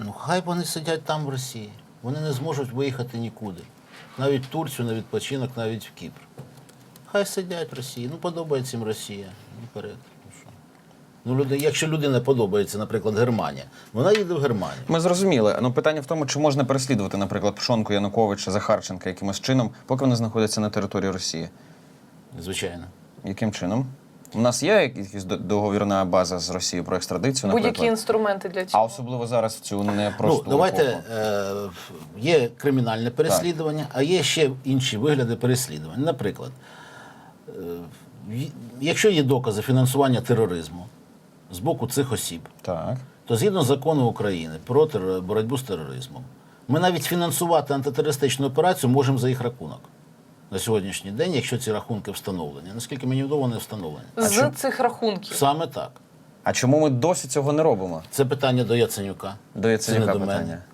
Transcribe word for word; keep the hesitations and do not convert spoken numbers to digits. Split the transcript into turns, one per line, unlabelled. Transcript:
Ну, хай вони сидять там в Росії. Вони не зможуть виїхати нікуди. Навіть в Турцію на відпочинок, навіть в Кіпр. Хай сидять в Росії. Ну, подобається їм Росія. Ну, вперед. Ну, що? Ну, люди, якщо людина подобається, наприклад, Германія, вона їде в Германію.
Ми зрозуміли. Ну, питання в тому, чи можна переслідувати, наприклад, Пшонку, Януковича, Захарченка якимось чином, поки вони знаходяться на території Росії.
Звичайно.
Яким чином? У нас є якась до- договірна база з Росією про екстрадицію, наприклад?
Будь-які інструменти для
А
цього.
особливо зараз в цю непросту
Ну, давайте,
епоху.
е, є кримінальне переслідування, а є ще інші вигляди переслідування. Наприклад, е, й- якщо є докази фінансування тероризму з боку цих осіб,
Так.
то згідно закону України про терор- боротьбу з тероризмом, ми навіть фінансувати антитерористичну операцію можемо за їх рахунок на сьогоднішній день, якщо ці рахунки встановлені. Наскільки мені відомо, вони встановлені.
З цих рахунків.
Саме так.
А чому ми досі цього не робимо?
Це питання до Яценюка.
До Яценюка
Це не до мене.
питання.